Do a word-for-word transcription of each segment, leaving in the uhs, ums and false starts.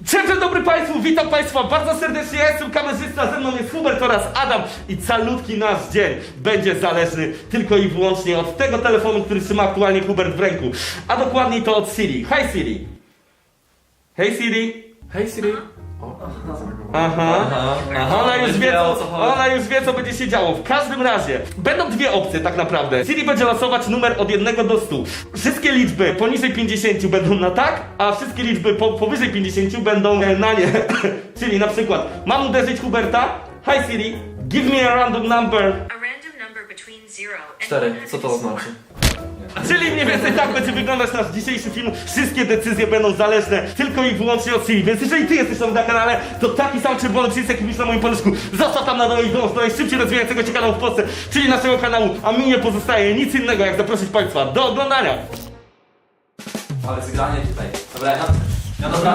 Dzień dobry Państwu, witam Państwa bardzo serdecznie, ja jestem kamerzysta, ze mną jest Hubert oraz Adam i calutki nasz dzień będzie zależny tylko i wyłącznie od tego telefonu, który trzyma aktualnie Hubert w ręku, a dokładniej to od Siri. Hej Siri! Hej Siri! Hej Siri! Aha, Aha. Ona już wie, o co co, chodzi. ona już wie, co będzie się działo. W każdym razie, będą dwie opcje tak naprawdę. Siri będzie losować numer od jednego do stu. Wszystkie liczby poniżej pięćdziesięciu będą na tak, a wszystkie liczby po, powyżej pięćdziesięciu będą e, na nie. Czyli na przykład, mam uderzyć Huberta? Hi Siri, give me a random number. A random number between zero and Cztery, co to znaczy? Czyli mniej więcej tak będzie wyglądać nasz dzisiejszy film. Wszystkie decyzje będą zależne tylko i wyłącznie od Siri. Więc jeżeli ty jesteś nowy na kanale, to taki sam czerwony przycisk, jaki widzisz na moim paluszku, zostaw tam na dole i dąż do najszybciej rozwijającego się kanału w Polsce, czyli naszego kanału, a mi nie pozostaje nic innego, jak zaprosić Państwa do oglądania. Ale zgranie tutaj. Dobra, ja, ja dobra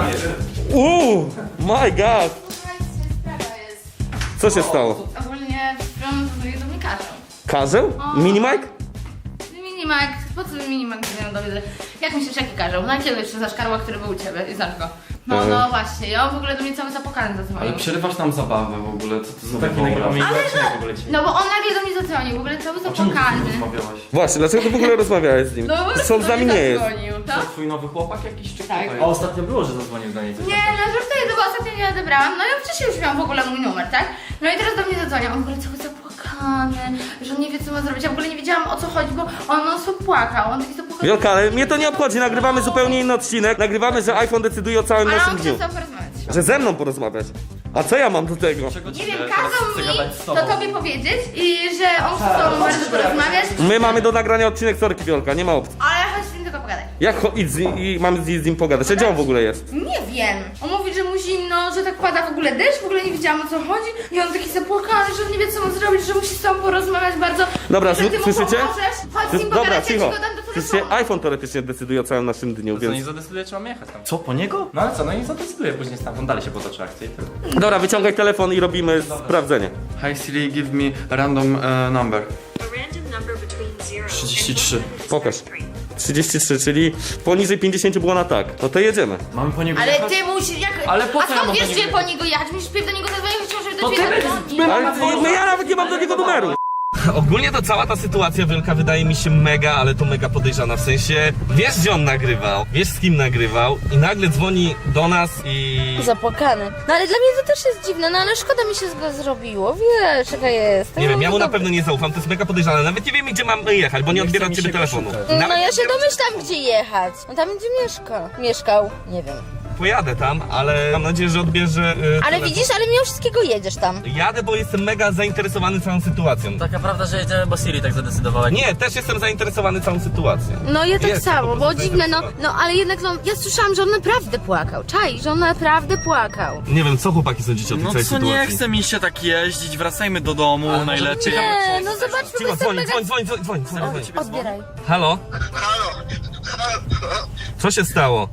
Uuu, my god. Słuchajcie, sprawa jest. Co się stało? Ogólnie stron do mnie każą. Karzeł? Minimike? Minimak, po co minimak nie dowiedzę? Jak myślisz, jaki każą? Na kiedy jeszcze za szkarła, który był u ciebie i znasz go? No, Mhm. no właśnie, ja w ogóle do mnie cały zapokany zadzwonił. Ale przerywasz nam zabawę w ogóle, co to za Taki wywołał? nagramy Ale inaczej w ogóle dzisiaj. No bo on nagle do mnie zadzwonił, w ogóle cały A czemu ty z nim zapokany. rozmawiałaś? Właśnie, dlaczego ty w ogóle rozmawiałeś z nim? No po prostu Co do z nami mnie nie jest? zadzwonił, To to? twój nowy chłopak jakiś czy Tak. kto to A jest? ostatnio było, że zadzwonił do niej coś. Nie, no żartuję, to bo ostatnio nie odebrałam. No ja wcześniej już miałam w ogóle mój numer, tak? No i teraz do mnie zadzwonił, on w ogóle cały zapłakany, że on nie wie co ma zrobić. Ja w ogóle nie wiedziałam o co chodzi, bo on non stop płakał, on taki zapłakał. Wielka, ale mnie to nie obchodzi, nagrywamy zupełnie inny odcinek. Nagrywamy, że iPhone decyduje o całym Ale naszym on dniu. chciał porozmawiać. Że ze mną porozmawiać. A co ja mam do tego? Czego Nie ci wiem, teraz kazał chcę mi gadać z to tobą? tobie powiedzieć i że on chce z tobą bardzo porozmawiać. My mamy do nagrania odcinek Sorki Wiolka, nie ma opcji. Ale chodź z nim tylko pogadaj. Jak cho- idź z nim, i mamy z, z nim pogadać? Gdzie on w ogóle jest? Nie wiem. On mówi, że mu zimno, że tak pada w ogóle deszcz, w ogóle nie wiedziałam o co chodzi. I on taki zapłakany, że on nie wie co ma zrobić, że musi z tobą porozmawiać bardzo. Dobra, I że ty mu słyszycie? pomożesz. Chodź z nim Dobra, pogadać, ja ci cicho. go dam do Słyszycie? telefonu. iPhone teoretycznie decyduje o całym naszym dniu, Co, nie więc... zadecyduje, czy mam jechać tam? Co, po niego? No ale co, no i zadecyduje później stamtąd, dalej się potoczy akcja i tyle. Dobra, wyciągaj telefon i robimy sprawdzenie. Hi Siri, give me random uh, number. a random number between zero trzydzieści and trzy. Pokaż. trzydzieści trzy, czyli poniżej pięćdziesięciu było na tak. No to jedziemy. Mamy po niego Ale jechać? ty musisz, jak... Ale po A co ja skąd mam wiesz, do gdzie niego po niego jechać? Musisz pierw do niego zadzwonić, żeby To do ty ciebie będziesz- zadzwonił. my- Ale no ja nawet nie mam do niego numeru. Ogólnie to cała ta sytuacja wielka wydaje mi się mega, ale to mega podejrzana. W sensie, wiesz gdzie on nagrywał, wiesz z kim nagrywał i nagle dzwoni do nas i... Zapłakany. No ale dla mnie to też jest dziwne, no ale szkoda mi się z go zrobiło, wiesz jaka jest. Nie wiem, ja mu na Dobry. pewno nie zaufam, to jest mega podejrzane. Nawet nie wiem gdzie mam jechać, bo nie odbiera od ciebie telefonu. No Nawet ja nie się odbiera- domyślam gdzie jechać. On tam gdzie mieszka. Mieszkał, nie wiem. Pojadę tam, ale mam nadzieję, że odbierze... Yy, Ale telefon. widzisz, ale mimo wszystkiego jedziesz tam. Jadę, bo jestem mega zainteresowany całą sytuacją. Taka prawda, że jedziemy, bo Siri tak zadecydowała. Nie, też jestem zainteresowany całą sytuacją. No ja tak Jestem po samo, prostu bo dziwne, no, zainteresowany. no ale jednak no, ja słyszałam, że on naprawdę płakał. Czaj, że on naprawdę płakał. Nie wiem, co chłopaki sądzicie o tej No całej co, sytuacji? nie chce mi się tak jeździć, wracajmy do domu Ale może najlepiej. Nie, no zobaczmy, bo Cicho, jestem dzwoń, mega... dzwoń, dzwoń, dzwoń, dzwoń, dzwoń, dzwoń. Odbieraj. Halo? Halo, halo, Co się stało?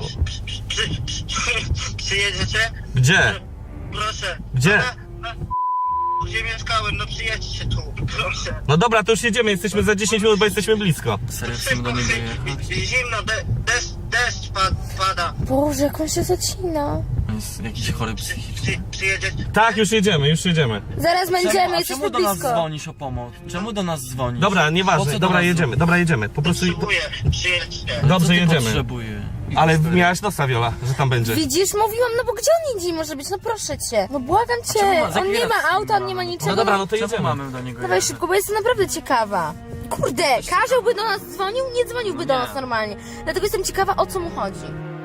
przy, przy, przyjedziecie? Gdzie? Proszę. Gdzie? Na, na, gdzie mieszkałem, no przyjedźcie tu, proszę. No dobra, to już jedziemy, jesteśmy za dziesięć minut, bo jesteśmy blisko. Serio, chcemy do niego jechać? Zimno, de, deszcz, deszcz pad, pada. Boże, jak on się zacina. On jest jakiś chory psychicznie. Przy, przyjedziecie? Tak, już jedziemy, już jedziemy. Zaraz będziemy, Czemu, a jesteśmy czemu do nas blisko. dzwonisz o pomoc? Czemu do nas dzwonisz? Dobra, Po nieważne, co do dobra, nas jedziemy, dobra, jedziemy. Po prostu... Potrzebuję, przyjedźcie. Co Dobrze, ty jedziemy. potrzebuje? Ale miałaś nosa, Wiola, że tam będzie. Widzisz, mówiłam, no bo gdzie on indziej może być? No proszę cię. No błagam cię. czemu ma- za On nie chwilę ma auta, on mamy? nie ma No niczego. No dobra, no to Czemu jedziemy. mamy do niego Dawaj jechać? szybko, bo jestem naprawdę ciekawa. Kurde, Karzeł do nas dzwonił, nie dzwoniłby No do nie. nas normalnie. Dlatego jestem ciekawa, o co mu chodzi.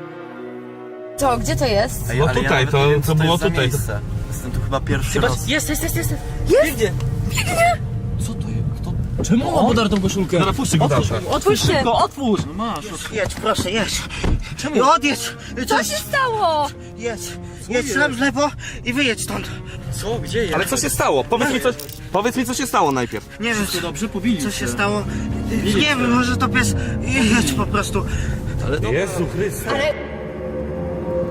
Co, gdzie to jest? Ej, No ale tutaj, ja to- nawet nie wiem, to co było jest za tutaj. miejsce. Jestem tu chyba pierwszy raz. Jest, jest, jest, jest, jest. Biegnie! Co to jest? Kto? Czemu on podarł tą koszulkę? Dobra, puszczę go dalej. Otwórz szybko, otwórz! No masz. Jedź, proszę, jedź. Czemu? I odjedź. Co się stało? Jedź, jedź tam w lewo i wyjedź stąd. Co? Gdzie jest? Ale co się stało? Powiedz mi, co, powiedz mi, co się stało najpierw. Nie wiem, To dobrze, pobili co się stało. Nie wiem, może to pies. Jedź po prostu. Ale dobra. Jezu Chryste. Ale...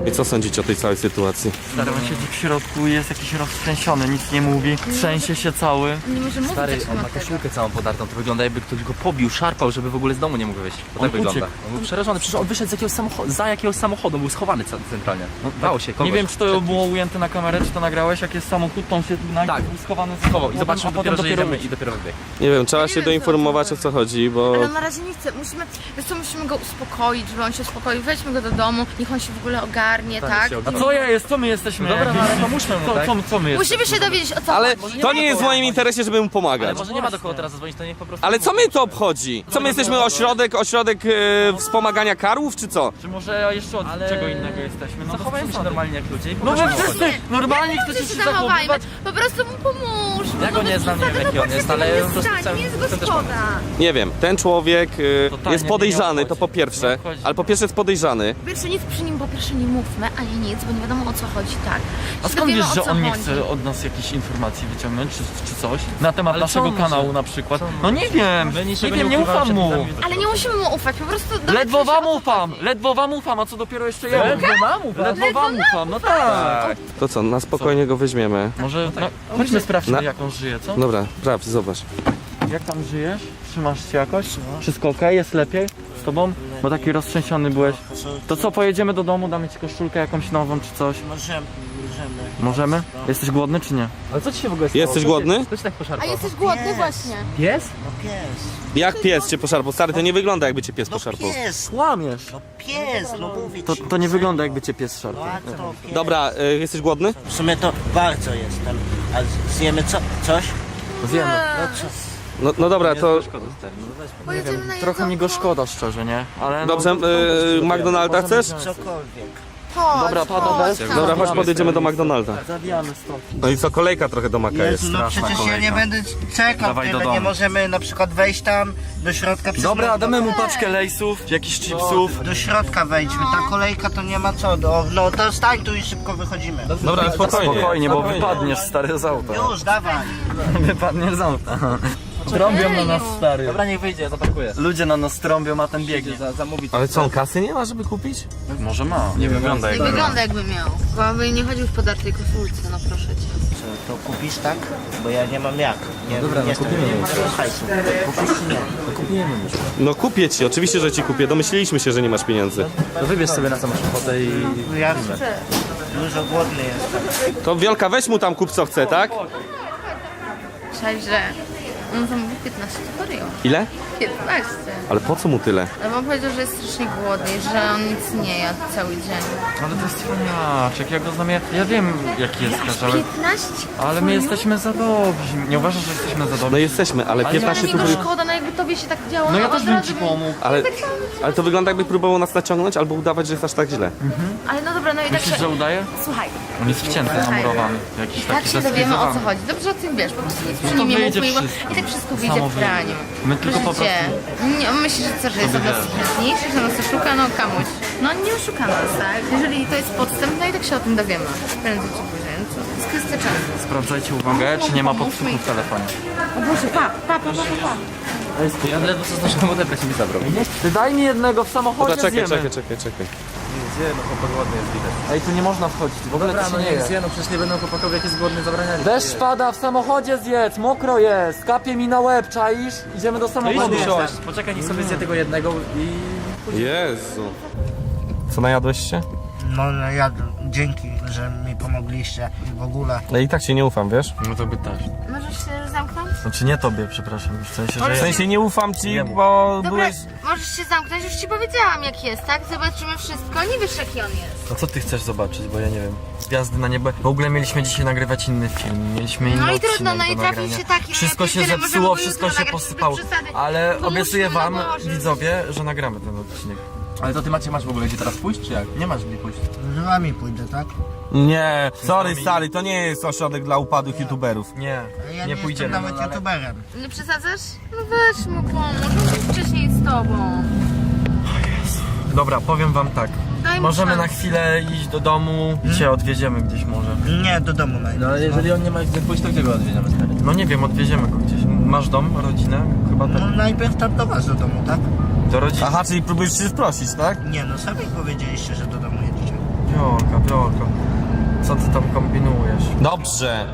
I co sądzicie o tej całej sytuacji? Stary, on siedzi w środku i jest jakiś roztrzęsiony, nic nie mówi, trzęsie się cały. Nie może mówić Stary, coś on na ma tego. koszulkę całą podartą, to wygląda jakby ktoś go pobił, szarpał, żeby w ogóle z domu nie mógł wyjść. To On tak wygląda. uciekł. On był przerażony, przecież on wyszedł z jakiegoś samochodu, za jakiegoś samochodu, był schowany ca- centralnie. No, dało się, kogoś. Nie wiem, czy to było ujęte na kamerę, czy to nagrałeś, jak jest samochód, to on się najpierw Tak. był schowany z Schował i a zobaczył potem dopiero, że jedziemy uciekł. i dopiero wybiegł. Nie wiem, trzeba Ja się nie wiem, doinformować co o co chodzi, bo... Ale on na razie nie chce, musimy, wiesz co, musimy go uspokoić, żeby on się uspokoił, weźmy go do domu, niech on się w ogóle ogarnie, tak? się A co ja jest? Co my jesteśmy? Dobra, no, Jakieś- ale pomóżmy mu, co, tak? co, co my jesteśmy? Musimy się dowiedzieć o co Ale chodzi. to nie jest w moim interesie, żeby mu Ale pomagać. może nie ma do kogo teraz zadzwonić, to niech po prostu... Ale co mnie to obchodzi? Co my jesteśmy ośrodek, ośrodek e, wspomagania karłów, czy co? Czy może jeszcze od Ale- czego innego jesteśmy? No to Zachowajmy się co? normalnie jak ludzie i No wy pokażmy mu. wszyscy normalnie Dobrze chcecie się się zachowajmy, zachowywać. po prostu mu pomóżmy. Ja go no nie bez znam, nie wiem, przesady, jaki on no jest, patrzcie, ale tego po prostu nie stanie, chcę- jest chcę go też szkoda. Nie wiem, ten człowiek e, Totalnie jest mnie podejrzany, nie to po obchodzi. Nie pierwsze. obchodzi. Ale po pierwsze jest podejrzany. Po pierwsze nic przy nim, po pierwsze nie mówmy, ani nic, bo nie wiadomo o co chodzi, tak. A Się skąd dowiemy, wiesz, o że co on nie chodzi. chce od nas jakichś informacji wyciągnąć, czy, czy coś? Na temat Ale co naszego on może? kanału na przykład. Co on No nie wiem, My nie niczego wiem, nie ukrywamy ufam przed mu. widzami. Ale nie musimy mu ufać, po prostu dowiedzmy Ledwo się, wam o co ufam, chodzi. ledwo wam ufam, a co dopiero jeszcze ja? Ledwo mam ufam. Ledwo wam ufam, no tak. To co, na spokojnie go weźmiemy. Może, no, chodźmy sprawdźmy Na- jak on żyje, co? Dobra, sprawdź, zobacz. Jak tam żyjesz? Trzymasz się jakoś? Wszystko okej? Jest lepiej z tobą? Bo taki roztrzęsiony byłeś. To co, pojedziemy do domu, damy ci koszulkę jakąś nową czy coś? Możemy, możemy. Możemy? Jesteś głodny czy nie? Ale co ci się w ogóle stało? Jesteś Co się- głodny? Co ci tak A poszarpał? jesteś głodny właśnie. Pies? No pies. Jak pies cię poszarpał? Stary, to nie wygląda jakby cię pies No poszarpał. pies. Kłamiesz. No pies, no mówię To, ci. to nie wygląda jakby cię pies szarpał. No a to pies. Dobra, e, jesteś głodny? W sumie to bardzo jestem. A z- zjemy co? Coś? Zjemy. No co? No, no dobra, to... Pojedziemy na Trochę mi go jedzonko. szkoda szczerze, nie? Ale Dobrze, no, e, McDonalda chcesz? Cokolwiek. Chodź, Dobra, pada chodź deszcz. tam. Dobra, chodź podjedziemy do McDonalda. Zabijamy stąd. No i co, kolejka trochę do Maka jest. Jezu, no straszna przecież ja kolejka. nie będę czekał Dawaj do tyle, nie domu. możemy na przykład wejść tam do środka przez Dobra, noc. damy mu paczkę lejsów, jakichś chipsów. Do środka wejdźmy, ta kolejka to nie ma co, do, no to stań tu i szybko wychodzimy. Dobra, spokojnie. Spokojnie, bo wypadniesz stary z auta. Już, dawaj. Wypadniesz z auta. Trąbią na nas stary. Dobra, niech wyjdzie, zapakuję. Ludzie na nas trąbią, a ten biegnie. Za, zamówi Ale co, on kasy nie ma, żeby kupić? Może ma. Nie wygląda Nie wygląda jakby miał. Bo by nie chodził w podartej koszulce, no proszę cię. Co, to kupisz tak? Bo ja nie mam jak. Nie, dobra, no nie kupimy. Nie mam hajsu. Kupisz czy nie? Kupujemy już. No kupię ci, oczywiście, że ci kupię. Domyśliliśmy się, że nie masz pieniędzy. To wybierz sobie na co masz ochotę i... Ja chcę. Dużo głodny jestem. To Wiolka, weź mu tam kup co chce, tak? Cześć, że on zamówił piętnaście foreo. Ile? piętnaście. Ale po co mu tyle? No bo powiedział, że jest strasznie głodny i że on nic nie jadł cały dzień. Ale to jest cwaniaczek, ja go znam, ja, ja wiem jaki jest Karzałek. piętnaście Ale my jesteśmy za dobrzy. Nie uważasz, że jesteśmy za No dobrzy? jesteśmy, ale Ale Ale piętnaście mi tu... go szkoda, no jakby tobie się tak działo. No ja od też bym razu ci pomógł. Ale, ale to wygląda jakby próbował nas naciągnąć albo udawać, że jest aż tak źle. Ale no dobra, no i tak... Myślisz, że udaje? Słuchaj, On jest wcięty, zamurowany. Jakiś tak taki się dowiemy o co zestylizowany. chodzi. Dobrze o tym wiesz, po prostu nic przy No to nim nie wyjdzie mówmy, bo wszystko. i tak wszystko wyjdzie Samo w wyjdzie. praniu. My tylko po Proszę cię, nie, myślisz, że co, że jest od nas chętniejszy, że nas oszuka? No kamuś. No nie oszuka nas, tak? Jeżeli to jest podstęp, no i tak się o tym dowiemy. Prędzej czy później. No co? To jest kwestia czasu. Sprawdzajcie uwagę, czy nie ma podsłuchu w telefonie. O Boże, pa, pa, pa, pa, pa. Ja ledwo co zdążyłem odebrać i mi zabrał. Ty daj mi jednego w samochodzie, Dobra, czekaj, zjemy. czekaj, czekaj, czekaj. Gdzie? No chłopak głodny jest widać. Ej, tu nie można wchodzić, w ogóle Dobra, to no się nie niech je. zje, no przecież nie będą chłopakowie jak jest głodny zabraniali. Deszcz pada, w samochodzie zjedz, mokro jest, kapie mi na łeb, czaisz? Idziemy do samochodu. Poczekaj, niech sobie zje tego jednego i... Jezu. Co, najadłeś się? No, no ja dzięki, że mi pomogliście i w ogóle. No i tak się nie ufam, wiesz? No to by też. Możesz się zamknąć? Znaczy nie tobie, przepraszam, w sensie, że... W sensie nie ufam ci, Jemu. bo Dobra, byłeś... możesz się zamknąć, już ci powiedziałam jak jest, tak? Zobaczymy wszystko, nie wiesz jaki on jest. A co ty chcesz zobaczyć, bo ja nie wiem. Gwiazdy na niebo. W ogóle mieliśmy dzisiaj nagrywać inny film, mieliśmy inny No i odcinek trudno, no i do trafił nagrania. się taki, no Wszystko ja się pierdzielę, możemy zepsuło, go wszystko jutro się nagrać, posypało. bez przesady. Ale No obiecuję musimy, wam, no Boże. widzowie, że nagramy ten odcinek. Ale to ty Macie masz w ogóle gdzie teraz pójść, czy jak? Nie masz gdzie pójść. Z wami pójdę, tak? Nie, sorry stary, to nie jest ośrodek dla upadłych youtuberów. Nie, Ja nie nie pójdziemy. jestem nawet youtuberem. Nie przesadzasz? No weź mu pomóż, on był wcześniej z tobą. Dobra, powiem wam tak. Daj mu Możemy na szansę. chwilę iść do domu i cię odwieziemy gdzieś może. Nie, do domu No najpierw. ale jeżeli on nie ma gdzie pójść, to gdzie go odwiedziamy stary? No nie wiem, odwieziemy go gdzieś. Masz dom, rodzinę? Chyba No tak. najpierw tam do was do domu, tak? Do rodziny. Aha, czyli próbujesz się sprosić, tak? Nie, no sami powiedzieliście, że do domu jedziecie. Wiolka, Wiolka, co ty tam kombinujesz? Dobrze.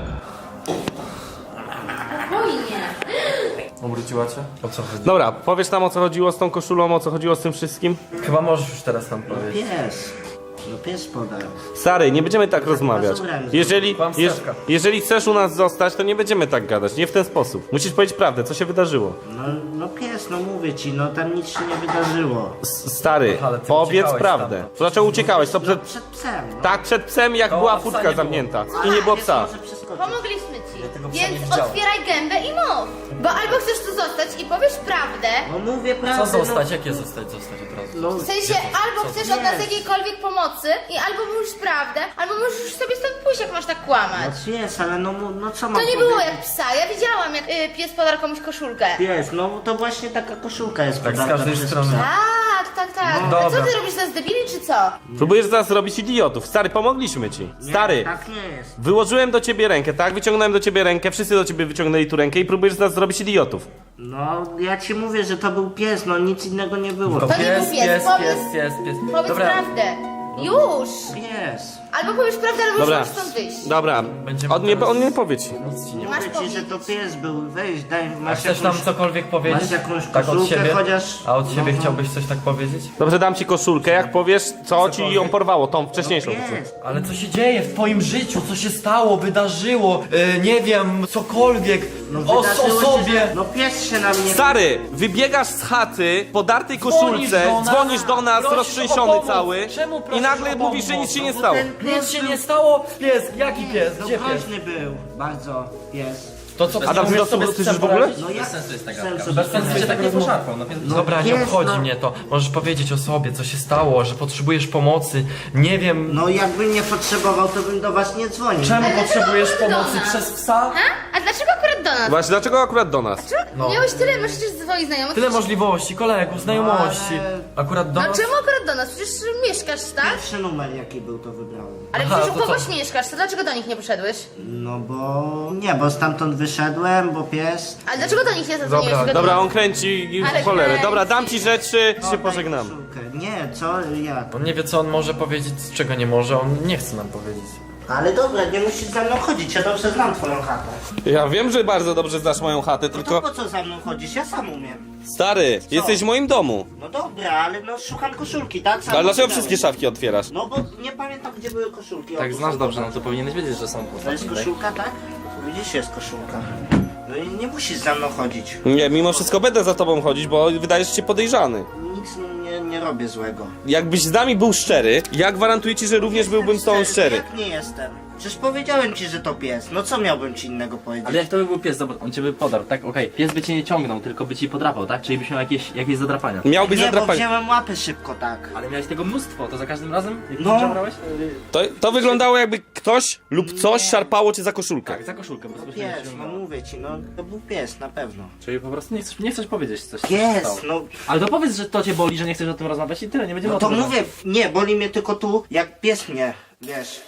Spokojnie. Obróciła cię? O co chodzi? Dobra, powiesz nam o co chodziło z tą koszulą, o co chodziło z tym wszystkim? Chyba możesz już teraz nam powiedzieć. Pies. No pies podał. Stary, nie będziemy tak rozmawiać. Jeżeli, Kłam jeż, Stefka. jeżeli chcesz u nas zostać, to nie będziemy tak gadać, nie w ten sposób. Musisz powiedzieć prawdę, co się wydarzyło. No, no pies, no mówię ci, no tam nic się nie wydarzyło. S- Stary, Ale ty powiedz uciekałeś prawdę. stamtąd. To dlaczego uciekałeś? To No przed... przed psem, no. Tak, przed psem, jak To była psa furtka nie było. zamknięta i nie było Pies psa. może przeskoczyć. Pomogliśmy ci, tego psa nie więc widziałem. otwieraj gębę i mów. Bo albo chcesz tu zostać i powiesz prawdę, No mówię Co prawdę. zostać? Jakie zostać? Zostać od razu? No, w sensie albo chcesz od nas jakiejkolwiek pomocy i albo mówisz prawdę, albo możesz już sobie stąd pójść, jak masz tak kłamać. no jest, ale no, mu- no co mam To nie było powiedzieć? jak psa, ja widziałam jak y, pies podarł komuś koszulkę. Pies, no to właśnie taka koszulka jest Tak z podarta każdej przez strony. psa. Tak, tak, tak. No A co dobra. ty robisz, nas debili czy co? Próbujesz teraz robić idiotów. Stary, pomogliśmy ci. Stary, Tak nie jest. wyłożyłem do ciebie rękę, tak? Wyciągnąłem do ciebie rękę, wszyscy do ciebie wyciągnęli tu rękę i próbujesz nas zrobić idiotów. No ja ci mówię, że to był pies, no nic innego nie było. To To nie pies, był pies, pies, powiedz- pies, pies, pies. Powiedz Dobra, prawdę. Już! Pies. Albo powiesz prawdę, albo Dobra, już możesz stąd wyjść. dobra. Będziemy On nie, teraz- on nie powie ci. nic ci nie Masz Mówię ci, że powiedzieć. to pies był. Weź, daj, A masz chcesz nam jakąś... cokolwiek powiedzieć? masz jakąś tak od koszulkę siebie? chociaż? A od siebie No, no. chciałbyś coś tak powiedzieć? Dobrze, dam ci koszulkę, jak powiesz, co ci ją porwało, tą wcześniejszą. Pies. Ale co się dzieje w twoim życiu? Co się stało, wydarzyło? Yy, nie wiem, cokolwiek. No o, o wydarzyło się, sobie. że- No pies się na mnie... Stary, wybiegasz z chaty, podartej Dzwonisz koszulce, do nas, dzwonisz do nas, prosisz o roztrzęsiony pomoc. cały Czemu i prosisz nagle o mówisz, że pomoc? nic się nie Bo stało. ten pies Nic się był- nie stało? Pies, jaki pies? No Gdzie pies? groźny był, bardzo pies. To co, Adam, ty umiesz to sobie z słyszysz psem w ogóle? poradzić? No jak sensu jest taka sensu gadka. Bez sensu się tak nie poszarpał. No, No dobra, nie pies, obchodzi no. mnie to. Możesz powiedzieć o sobie, co się stało, że potrzebujesz pomocy. Nie wiem, No jakbym nie potrzebował, to bym do was nie dzwonił. czemu Ale potrzebujesz dlaczego do pomocy nas? przez psa? Ha? A dlaczego akurat do nas? Właśnie, dlaczego akurat do nas? No. Miałeś tyle, masz przecież swoich znajomych. Tyle Przecież- możliwości, kolegów, znajomości. ale- Akurat do No nas? czemu akurat do nas? Przecież mieszkasz, tak? Pierwszy numer jaki był, to wybrałem. Ale Aha, przecież u to co? kogoś mieszkasz, to dlaczego do nich nie poszedłeś? No bo... Nie, bo stamtąd wyszedłem, bo pies... Ale dlaczego do nich nie zadzwoniłeś? Dobra, Tylko do Dobra, nas? on kręci i Ale w cholerę. kręci. Dobra, dam ci rzeczy, się Oddaj pożegnamy. koszulkę. Nie, co? Jak? On nie wie, co on może powiedzieć, z czego nie może. On nie chce nam powiedzieć. Ale dobra, nie musisz za mną chodzić, ja dobrze znam twoją chatę. Ja wiem, że bardzo dobrze znasz moją chatę, No to tylko... po co za mną chodzisz? Ja sam umiem. Stary, jesteś w moim domu. No dobra, ale no szukam koszulki, tak? Sam Ale dlaczego wybrałem. wszystkie szafki otwierasz? No bo nie pamiętam, gdzie były koszulki. Tak Otóż znasz są dobrze, no koszulki. to powinieneś wiedzieć, że są To jest koszulka, tak? Widzisz, jest koszulka. No i nie musisz za mną chodzić. Nie, mimo wszystko będę za tobą chodzić, bo wydajesz się podejrzany. Nic nie, nie robię złego. Jakbyś z nami był szczery, ja gwarantuję ci, że również byłbym z tobą szczery. Jak nie jestem? Przecież powiedziałem ci, że to pies. No co miałbym ci innego powiedzieć? Ale jak to by był pies, zobacz, on cię by podarł, tak? Okej, pies by cię nie ciągnął, tylko by ci podrapał, tak? Czyli byś miał jakieś, jakieś zadrapania. Miałbyś Nie, bo zadrapanie. wziąłem łapy szybko, tak. Ale miałeś tego mnóstwo, to za każdym razem, jak No. no. brałeś? To, to wyglądało jakby ktoś lub coś szarpało cię za koszulkę. Tak, za koszulkę, po prostu się Pies, no ciągnęło. mówię ci, no to był pies, na pewno. Czyli po prostu nie chcesz, nie chcesz powiedzieć coś, co się Pies, stało. no, Ale to powiedz, że to cię boli, że nie chcesz o tym rozmawiać i tyle, nie będziemy no o to tym mówię, nie, boli mnie tylko tu, jak pies mnie, wiesz.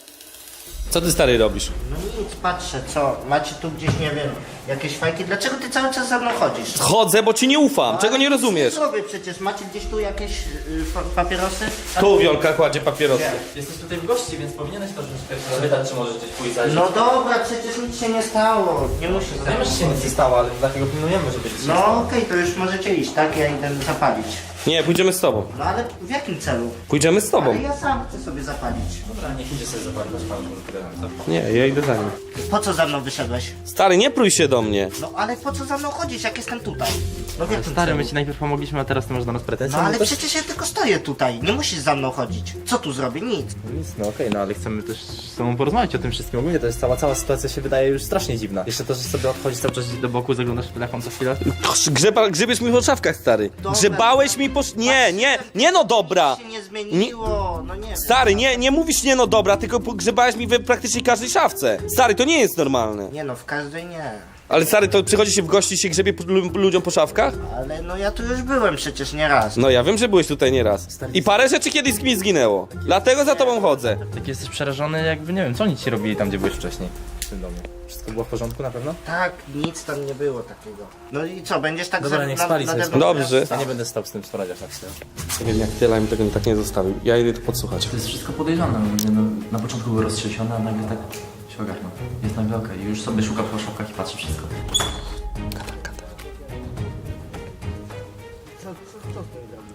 Co ty stary robisz? No nic, patrzę, co, macie tu gdzieś, nie wiem, jakieś fajki, dlaczego ty cały czas za mną chodzisz? Chodzę, bo ci nie ufam. Czego Ale nie nic rozumiesz? Nie zrobię przecież, macie gdzieś tu jakieś y, pa- papierosy? A Tu Wiolka kładzie papierosy. Jesteś tutaj w gości, więc powinieneś to troszeczkę zapytać, czy możesz gdzieś pójść zajrzeć. No dobra, przecież nic się nie stało, nie musisz za Wiemy, mną że się nic nie chodzić. stało, ale dlatego pilnujemy, żeby ci się No stało. okej, to już możecie iść, tak? Ja idę zapalić. Nie, pójdziemy z tobą. No ale w jakim celu? Pójdziemy z tobą. Ale ja sam chcę sobie zapalić. Dobra, niech idzie sobie zapalić, pan to. Nie, ja idę za nim. Po co za mną wyszedłeś? Stary, nie prój się do mnie. No ale po co za mną chodzisz, jak jestem tutaj? No w jakim Stary, celu? my ci najpierw pomogliśmy, a teraz ty masz do nas pretensje. No ale też... przecież ja tylko stoję tutaj, nie musisz za mną chodzić. Co tu zrobię? Nic. Nic, no okej, no ale chcemy też z tobą porozmawiać o tym wszystkim. Ogólnie to jest cała, cała sytuacja się wydaje już strasznie dziwna. Jeszcze to, że sobie odchodzisz cały czas do boku, zaglądasz w telefon co chwilę. Grzeba, grzebiesz mi po szafkach, stary. Dobra. Grzebałeś mi po... sz- Nie, nie, nie no dobra. Nic się nie zmieniło, no nie wiem. Stary, nie, nie mówisz nie no dobra, tylko grzebałeś mi we praktycznie każdej szafce. Stary, to nie jest normalne. Nie no, w każdej nie. Ale stary, to przychodzi się w gości i się grzebie po- lu- ludziom po szafkach? Ale no ja tu już byłem przecież nie raz. No ja wiem, że byłeś tutaj nieraz. I parę rzeczy kiedyś mi zginęło. Dlatego za tobą chodzę. Tak jesteś przerażony, jakby nie wiem, co oni ci robili tam, gdzie byłeś wcześniej w tym domu. Wszystko było w porządku na pewno? Tak, nic tam nie było takiego. No i co, będziesz tak Dobra, za- niech na- spali nade sobie mną Dobrze. teraz- Ja nie będę stał z tym sprawdziać na chwilę. Nie wiem, jak tyle mi tego tak nie zostawił. Ja idę to podsłuchać. To jest wszystko podejrzane. No, na początku był roztrzęsiony, a nagle tak się ogarnął. Jest nagle okej. Już sobie szuka po szopkach i patrzy wszystko. Co, co, co z tym zrobić?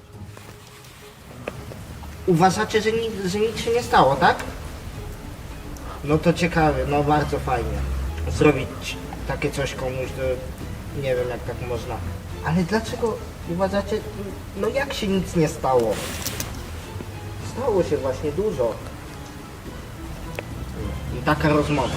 Uważacie, że nic, że nic się nie stało, tak? No to ciekawe, no bardzo fajnie. Zrobić takie coś komuś, to nie wiem jak tak można. Ale dlaczego uważacie, no jak się nic nie stało? Stało się właśnie dużo. I taka rozmowa.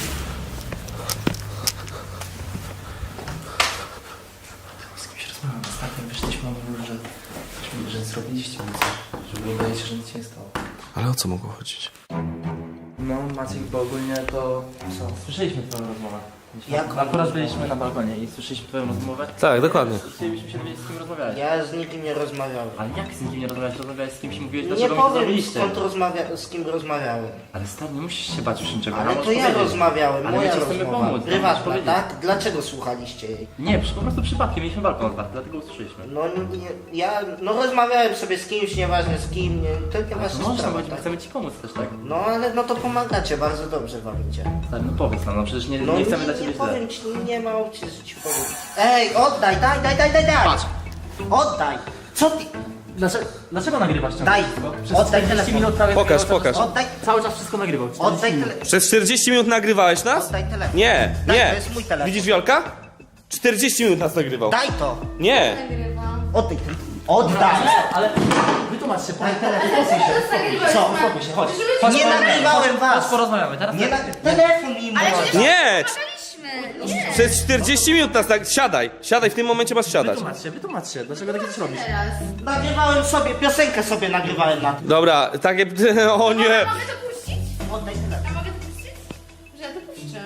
Z kimś rozmawiam. Ostatnio wyszliśmy, on mówił, że, że, że zrobiliście mi coś. Że wydaje się, że nic się nie stało. Ale o co mogło chodzić? No Maciek, bo ogólnie to... Co? Słyszeliśmy twoją rozmowę. Jak? Akurat byliśmy na balkonie i słyszeliśmy twoją rozmowę. Tak, dokładnie. Chcielibyśmy się dowiedzieć, z kim rozmawiałeś. Ja z nikim nie rozmawiałem. Ale jak z nikim nie rozmawiałeś? Rozmawiałeś z kimś i mówiłeś, Nie dlaczego mi to powiem zrobiliście. skąd rozmawia- z kim rozmawiałem. Ale stary, nie musisz się bać już niczego. Ale no, to możesz ja powiedzieć. rozmawiałem, Ale my moja ci chcemy rozmowa. pomóc, no, możesz Prywatna, powiedzieć. tak? Dlaczego słuchaliście jej? Nie, przy- po prostu przypadkiem mieliśmy balkon otwarty, dlatego usłyszeliśmy. No nie, ja no rozmawiałem sobie z kimś, nieważne z kim, nie, to nie To wasza można, sprawa, bo tak? chcemy ci pomóc też, tak? No ale no to pomagacie, bardzo dobrze wam idzie. Stary, no powiedz nam, no przecież nie, No nie nie, chcemy nie, dla ciebie źle. powiem ci, nie ma opcji, że ci powiem. Ej, oddaj, daj, daj, daj, daj, daj! Patrz! Oddaj! Co ty? Dlaczego, dlaczego nagrywasz ciągle Daj! wszystko? Przez Oddaj czterdzieści telefon! minut prawie Pokaż, cały czas- pokaż. Oddaj, Cały czas wszystko nagrywał. czterdzieści oddaj minut. telefon! Przez czterdzieści minut nagrywałeś nas? Oddaj telefon! Nie, Daj, nie. to jest mój telefon. Widzisz Wiolka? czterdzieści minut nas nagrywał. Daj to! Nie. Oddaj telefon! Oddaj! Ale wytłumacz się, Daj telefon! co? Uspokój się, chodź. chodź Nie porozmawiamy, nagrywałem chodź, was. Chodź porozmawiamy, teraz Nie na... tak. Telefon mi Ale mój! przecież Nie. rozmawialiśmy. Nie. Przez czterdzieści minut nas tak... Siadaj. Siadaj, w tym momencie masz siadać. Wytłumacz się, wytłumacz się, dlaczego takie coś robisz? Teraz. Nagrywałem sobie, piosenkę sobie nagrywałem na tym. Dobra, takie... O nie. Mogę to puścić? Oddaj telefon. A mogę to puścić? Że ja to puszczę.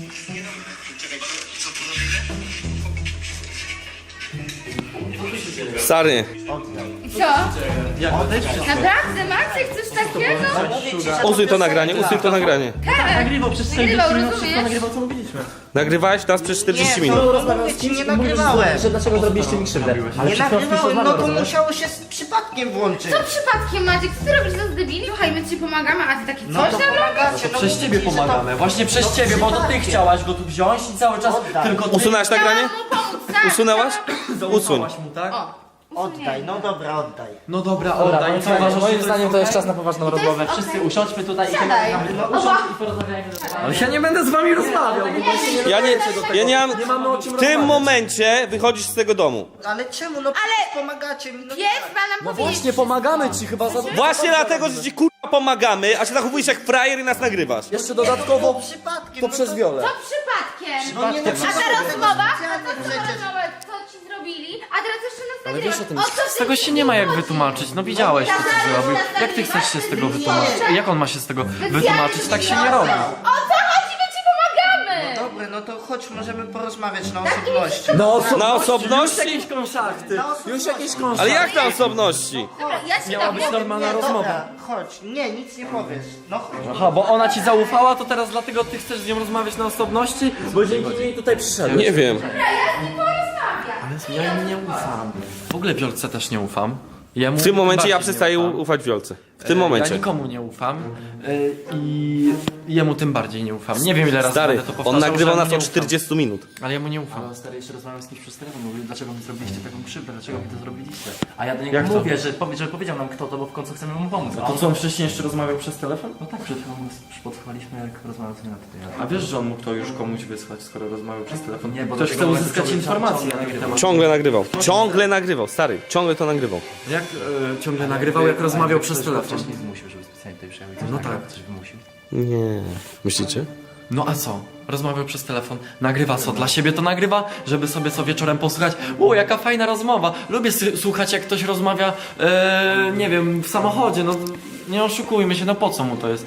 Stary. I co? Naprawdę, Maciek, coś takiego? Usuń to nagranie, usuń to nagranie. Tak. Nagrywał przez Nagrywał, czterdzieści minut, wszystko rozumiesz? nagrywał, co mówiliśmy. Nagrywałeś nas przez czterdzieści Nie, minut. to mówię ci, nie nagrywałem. Że dlaczego zrobiliście mi krzywdę? Ale Nie przed chwilą ktoś nagrywałem, no rozmawiał, to rozumiesz? musiało się z przypadkiem włączyć. Co przypadkiem, Maciek? Co ty robisz za debili? Słuchaj, my ci pomagamy, a ty taki No coś to tam robisz? pomagacie, no Przez mówię ciebie ci, że to- pomagamy, właśnie przez No ciebie, bo to ty przypadkiem. chciałaś go tu wziąć i cały czas Oddaj. tylko ty Usunęłaś nagranie? Chciałam mu pomóc, tak. Usunęłaś? Usuń. zaufałaś mu, tak? O, Oddaj, no dobra, oddaj. No dobra, Dobra, oddaj. moim Co uważasz, że moim jest zdaniem to jest okej? czas na poważną to jest rozmowę. okej. Wszyscy usiądźmy tutaj i Siadaj. pogadamy. No, Usiądź i porozmawiajmy. Ale ja nie będę z wami rozmawiał. Ja nie... Ja nie mam... Nie mamy o czym W rozmawiać. tym momencie wychodzisz z tego domu. Ale czemu? No Ale- pomagacie mi. No Pies ma nam No powiedzieć właśnie, pomagamy ci chyba za... Właśnie dlatego, że ci kurwa pomagamy, a się zachowujesz jak frajer i nas nagrywasz. Jeszcze To dodatkowo przypadkiem. to no przez Wiolę. Co przypadkiem? No nie, no A ta przypadkiem. rozmowa, a Specjalnie ta przecież. rozmowa, co ci zrobili, a teraz jeszcze nas Ale nagrywasz. wiesz o tym, O co Z tego się nie ma jak wytłumaczyć, no widziałeś to co Zaraz zrobił. nas Jak ty chcesz się z tego wytłumaczyć? Nie. Jak on ma się z tego wytłumaczyć? Tak się nie robi. O co chodzi? My ci pomagamy! Dobra, no to chodź, możemy porozmawiać na osobności. No oso- Na Już osobności? jakieś krążachty. Na osobności. Już jakieś krążachty. Ale jak na osobności? Dobra, ja ci Miała dam. być normalna Nie, rozmowa. dobra, chodź. Nie, nic nie powiesz. No chodź. Aha, bo ona ci zaufała, to teraz dlatego ty chcesz z nią rozmawiać na osobności? Bo dzięki niej tutaj przyszedłem. Nie wiem. Dobra, ja z nim porozmawiam. Ja im nie ufam. W ogóle Wiolce też nie ufam. Jemu W tym momencie ja bardziej nie przestaję ufam. ufać Wiolce. W tym Ja momencie. nikomu nie ufam y, i jemu tym bardziej nie ufam. Nie wiem ile razy Stary, będę to on powtarzał, nagrywał że nas mu od nie ufam. czterdziestu minut. Ale ja mu nie ufam. Ale stary, jeszcze rozmawiam z kimś przez telefon, mówił, dlaczego mi zrobiliście taką krzywdę, dlaczego mi to zrobiliście. A ja do niego Jak to? mówię, że, powie, że powiedział nam kto to, bo w końcu chcemy mu pomóc. A To on co, on wcześniej jeszcze rozmawiał przez telefon? No tak, przed chwilą już podsłuchaliśmy, jak rozmawiał sobie na tutaj. A wiesz, że on mógł to już komuś wysłać, skoro rozmawiał przez telefon? Nie, bo Ktoś dlatego chce mówię, uzyskać ciągle- informacje ciągle na ten nagrywa. temat. Ciągle nagrywał. Ciągle nagrywał, stary. Ciągle to nagrywał. Jak e, ciągle nagrywał, jak rozmawiał przez Ktoś go telefon? wcześniej zmusił, żeby specjalnie tutaj przyjechał i coś No nagrał, tak. coś wymusił. Nie. Myślicie? No a co? Rozmawiał przez telefon. Nagrywa co? Dla siebie to nagrywa, żeby sobie co wieczorem posłuchać. O, jaka fajna rozmowa. Lubię s- słuchać, jak ktoś rozmawia, e, nie wiem, w samochodzie. No nie oszukujmy się, no po co mu to jest?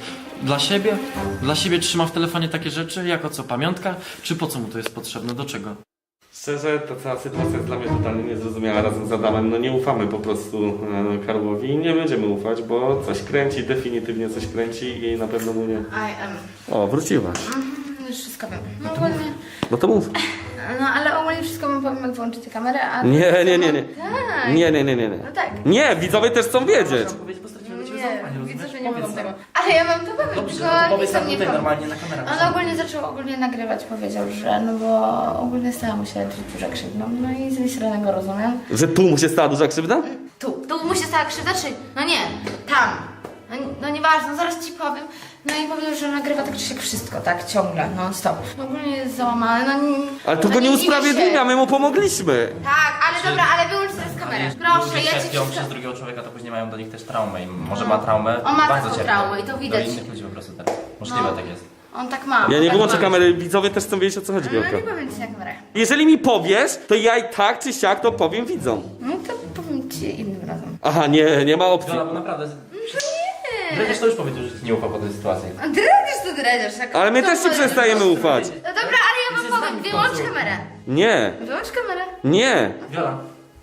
Dla siebie? Dla siebie trzyma w telefonie takie rzeczy? Jako co, pamiątka? Czy po co mu to jest potrzebne? Do czego? Szczerze, ta cała sytuacja jest dla mnie totalnie niezrozumiała razem z Adamem. No nie ufamy po prostu e, Karłowi i nie będziemy ufać, bo coś kręci, definitywnie coś kręci i na pewno mu nie... I am. O, wróciłaś. Już wszystko wiem. No ogólnie, No to mów. no ale ogólnie wszystko wam powiem, jak włączycie kamerę, a... Nie, nie, nie, nie. Tak. Nie, nie, nie, nie, nie. No tak. Nie, widzowie też chcą wiedzieć. Nie, widzę, że nie mogą tego. Ale ja wam to powiem, Dobrze, tylko no to nikt powiedz tam nam nie tutaj powie. normalnie na kamerę. On ogólnie zaczął ogólnie nagrywać, powiedział, że no bo ogólnie stała mu się duża krzywda. No i z jednej strony go rozumiem. Że tu mu się stała duża krzywda? Tu, tu mu się stała krzywda, czy... No nie, tam. No, no nieważne, zaraz ci powiem. No i powiedział, że nagrywa tak czy siak wszystko, tak, ciągle, non stop. Ogólnie jest załamany, no nie... Ale tu no go nie dziwię się. usprawiedliwia, my mu pomogliśmy. Tak, ale dobra, ale wyłącz teraz kamerę. Proszę, ja ci cierpią wszystko... przez drugiego człowieka, to później mają do nich też traumę i może ma traumę, On ma bardzo taką cierpią. traumę i to widać. Do innych ludzi po prostu teraz. Możliwe No. tak jest. On tak ma. Ja on nie tak wyłączę ma. kamery, widzowie też chcą wiedzieć, o co chodzi, No Wielka. nie powiem ci na kamerę. Jeżeli mi powiesz, to ja i tak czy siak to powiem widzom. No to powiem ci innym razem. Aha, nie, nie ma opcji. Wiola, bo naprawdę... Nie. Dredziarz to już powiedział, że ci nie ufa po tej sytuacji. A dredziesz to dredziesz. jak- Ale my to też ci powiem. przestajemy ufać. No dobra, ale ja wam powiem, wyłącz kamerę. Nie, Wyłącz kamerę. nie. Wiola.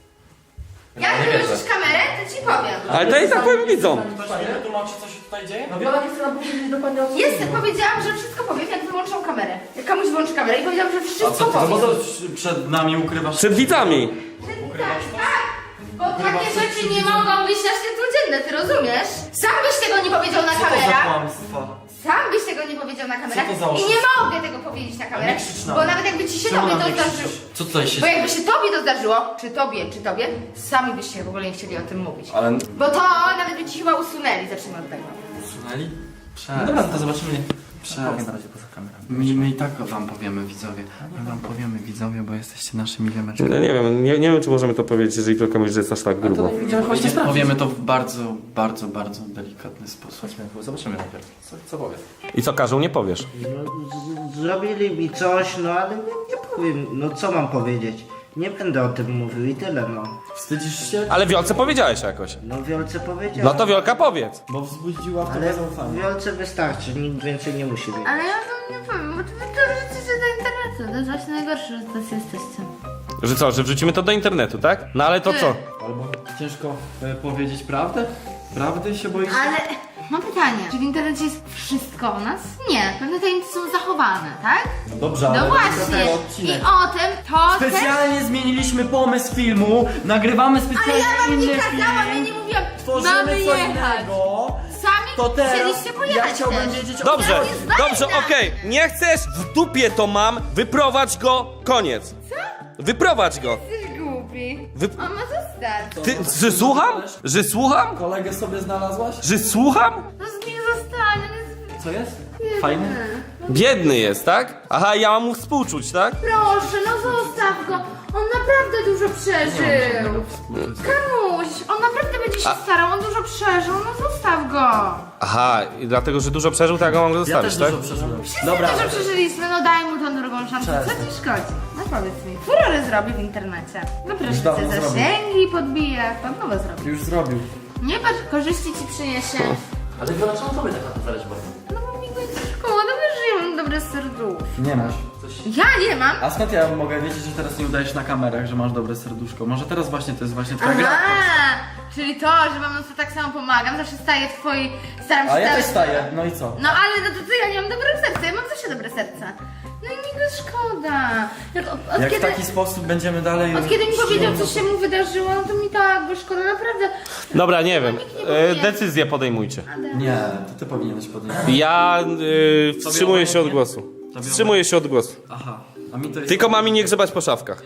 Jak nie wierzę. wyłączysz kamerę, to ci powiem. Ale to i tak powiem widzom. Ktoś mi wytłumaczy, co się tutaj dzieje? No Wiola nie chce nam powiedzieć dokładnie o co Jest, chodzi. powiedziałam, że wszystko powiem, jak wyłączą kamerę. Jak komuś wyłączy kamerę i powiedziałam, że A wszystko co ty, no bo powiem. to przed nami ukrywasz... Przed widzami. Tak, tak. Bo takie rzeczy nie mogą być na światło dzienne, ty rozumiesz? Sam byś tego nie powiedział na Co to za kamerach. kłamstwa? Sam byś tego nie powiedział na kamerach. Co to za I oszustwo? nie mogę tego powiedzieć na kamerach. nie krzycz na Bo mnie. nawet jakby ci się Czemu tobie na to mnie zdarzyło. krzyczysz? Co tutaj się... Bo jakby się tobie to zdarzyło, czy tobie, czy tobie, sami byście w ogóle nie chcieli o tym mówić. Ale... Bo to nawet by ci chyba usunęli, zacznijmy od tego. Usunęli? No dobra, no to zobaczymy. Powiem na razie poza kamerą. My, my i tak wam powiemy, widzowie. My wam powiemy, widzowie, bo jesteście naszymi wiemeczkami. No nie wiem, nie, nie wiem, czy możemy to powiedzieć, jeżeli Wielka mówi, że jest aż tak grubo. Powiemy, powiemy to w bardzo, bardzo, bardzo delikatny sposób. Chodźmy, zobaczymy najpierw. Co, co powie? I co każą, nie powiesz. No, z- zrobili mi coś, no ale nie, nie powiem, no co mam powiedzieć. Nie będę o tym mówił i tyle, no. Wstydzisz się? Ale Wiolce powiedziałeś jakoś. No Wiolce powiedział. No to Wiolka powiedz. Bo wzbudziła w Ale tobie zaufanie. Wiolce wystarczy, nikt więcej nie musi wiedzieć. Ale ja wam nie powiem, bo to wy to wrzucicie do internetu. To jest właśnie najgorsze, że tacy jesteście. Że co, że wrzucimy to do internetu, tak? No ale to co? Albo ciężko e, powiedzieć prawdę? Prawdy się boisz? Ale mam pytanie, czy w internecie jest wszystko o nas? Nie, pewne tajemnice są zachowane, tak? Dobrze, ale No to właśnie. ten I odcinek. o tym to też... Specjalnie zmieniliśmy pomysł filmu, nagrywamy Ale specjalnie ja wam nie inny kazałam, ja film, nie mówiłam, tworzymy mamy co jechać. innego. Sami To teraz chcieliście pojechać ja chciałbym też. wiedzieć o Dobrze, Ja nie znajdę. dobrze, okej. Nie chcesz, w dupie to mam, wyprowadź go, koniec. Wyprowadź go. Jesteś głupi. Wy... On ma zostać. Ty, że słucham? Że słucham? Kolegę sobie znalazłaś? Że słucham? No z nim zostanie. on jest- Co jest? Fajny? Biedny jest, tak? Aha, ja mam mu współczuć, tak? Proszę, no zostaw go. On naprawdę dużo przeżył. Kamuś, on naprawdę będzie się starał, on dużo przeżył, no zostaw go. Aha, i dlatego, że dużo przeżył, to ja go mam Ja zostawić, też tak? dużo przeżyłem. Wszyscy Dobra, dużo przeżyliśmy, no daj mu tą drugą szansę. Co ci szkodzi? No powiedz mi. Furorę zrobi w internecie. No proszę dawno cię, zrobił. zasięgi podbije, pan nowe zrobi. już zrobił. Nie patrz, korzyści ci przyniesie. Ale Wiola, czemu tobie tak na to zależy bardzo? No bo mi go jest szkoła, no wiesz, że ja mam dobre serduszko. Nie masz. Ja nie mam. A skąd ja mogę wiedzieć, że teraz nie udajesz na kamerach, że masz dobre serduszko? Może teraz właśnie to jest właśnie twoja gra? Aha, czyli to, że wam no to tak samo pomagam, zawsze staję w twojej, staram się A ja stawać- też staję, no i co? No ale no to co, ja nie mam dobrego serca, ja mam zawsze dobre serce. No i mi go szkoda. Jak, od, od Jak kiedy, w taki sposób będziemy dalej... od kiedy mi powiedział, co się mu wydarzyło, no to mi tak go szkoda, naprawdę. Dobra, nie wiem. Nikt nie E, powinien. decyzję podejmujcie. Nie, to ty powinieneś podjąć. Ja y, wstrzymuję się od głosu. Wstrzymuję się od głosu. Aha, a mi to jest... Tylko mami nie grzebać po szafkach.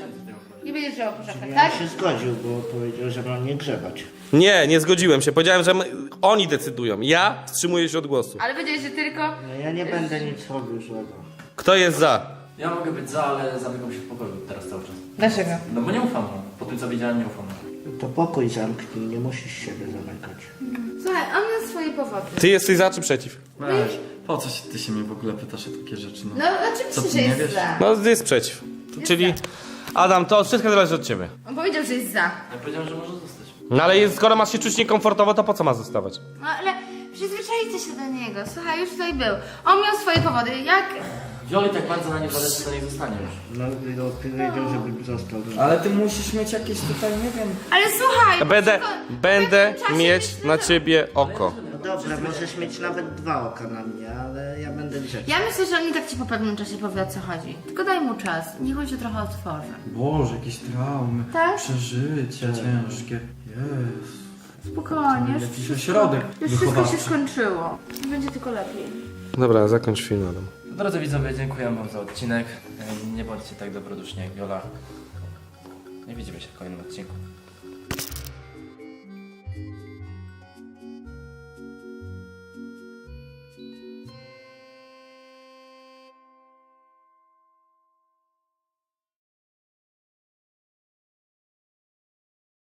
Nie będziesz żyła po szafach, Ja tak? się zgodził, bo powiedział, że mam nie grzebać. Nie, nie zgodziłem się. Powiedziałem, że my, oni decydują. Ja wstrzymuję się od głosu. Ale powiedziałeś, że tylko... No ja nie będę nic robił złego. Kto jest za? Ja mogę być za, ale zamykam się w pokoju teraz cały czas. Dlaczego? No bo nie ufam mu. Po tym co widziałem, nie ufam mu. To pokój zamknij, nie musisz siebie zamykać. Słuchaj, on ma swoje powody. Ty jesteś za czy przeciw? Weź, po co się, ty się mnie w ogóle pytasz o takie rzeczy, no? No Co, oczywiście, ty że nie jest wiesz? za. No, jest przeciw. Czyli, Adam, to wszystko zależy od ciebie. On powiedział, że jest za. Ja powiedziałem, że może zostać. No ale jest, skoro masz się czuć niekomfortowo, to po co ma zostawać? No ale Przyzwyczajcie się do niego, słuchaj, już tutaj był. On miał swoje powody, jak... Wioli tak bardzo na nie zależy, to niech zostanie już. No, no powiedział, żebym został. Ale ty musisz mieć jakieś tutaj, nie wiem... Ale słuchaj... Będę, tylko- będę w pewnym czasie mieć myślę, na że- ciebie oko. No dobra, możesz mieć nawet dwa oka na mnie, ale ja będę grzeczny. Ja myślę, że on i tak ci po pewnym czasie powie, o co chodzi. Tylko daj mu czas, niech on się trochę otworzy. Boże, jakieś traumy, Tak? przeżycia ciężkie. Jest. Spokojnie, już Jakiś wszystko- ośrodek Już wszystko wychowawczy. się skończyło. Będzie tylko lepiej. Dobra, zakończ film, Adam. Drodzy widzowie, dziękuję wam za odcinek. E, Nie bądźcie tak dobroduszni jak Wiola. I widzimy się w kolejnym odcinku.